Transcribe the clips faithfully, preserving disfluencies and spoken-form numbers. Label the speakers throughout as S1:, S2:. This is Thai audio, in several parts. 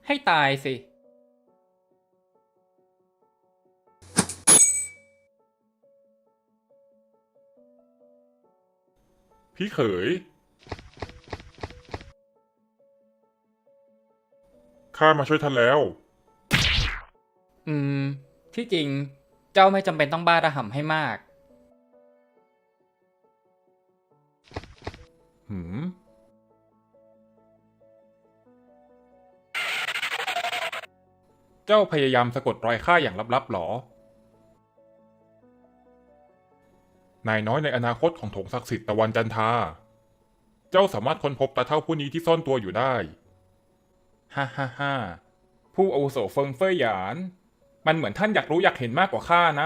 S1: ให้ตายสิ
S2: พี่เขยข้ามาช่วยท่านแล้ว
S1: อืม ที่จริง เจ้าไม่จำเป็นต้องบ้าระห่ำให้มาก
S2: หืม เจ้าพยายามสะกดรอยข้าอย่างลับๆหรอ นายน้อยในอนาคตของโถงศักดิ์สิทธิ์ตะวันจันทรา เจ้าสามารถค้นพบตาเท่าผู้นี้ที่ซ่อนตัวอยู่ได้ ฮ่าฮ่าฮ่าผู้อาวุโสเฟิงเฟ่ยหยาน มันเหมือนท่านอยากรู้อยากเห็นมากกว่าข้านะ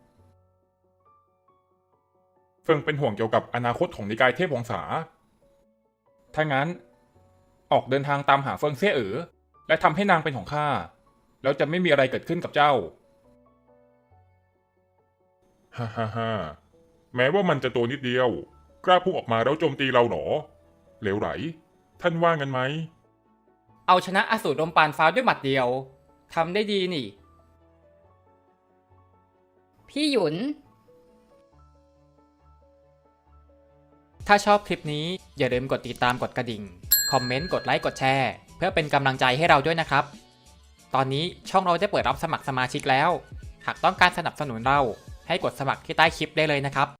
S2: เฟิงเป็นห่วงเกี่ยวกับอนาคตของนิกายเทพวงศา ถ้างั้น ออกเดินทางตามหาเฟิงเซ่เอ๋อและทำให้นางเป็นของข้า แล้วจะไม่มีอะไรเกิดขึ้นกับเจ้า ฮ่าฮ่าฮ่าแม้ว่ามันจะตัวนิดเดียว กล้าพุ่งออกมาแล้วโจมตีเราหรอ เหลวไหล ท่านว่างั้นไหม
S1: เอาชนะอสูรลมปานฟ้าด้วยหมัดเดียว ทำได้ดีนี่
S3: พี่หยุน
S1: ถ้าชอบคลิปนี้อย่าลืมกดติดตามกดกระดิ่ง คอมเมนต์ กดไลค์ กดแชร์ เพื่อเป็นกำลังใจให้เราด้วยนะครับ ตอนนี้ช่องเราได้เปิดรับสมัครสมาชิกแล้ว หากต้องการสนับสนุนเราให้กดสมัครที่ใต้คลิปได้เลยนะครับ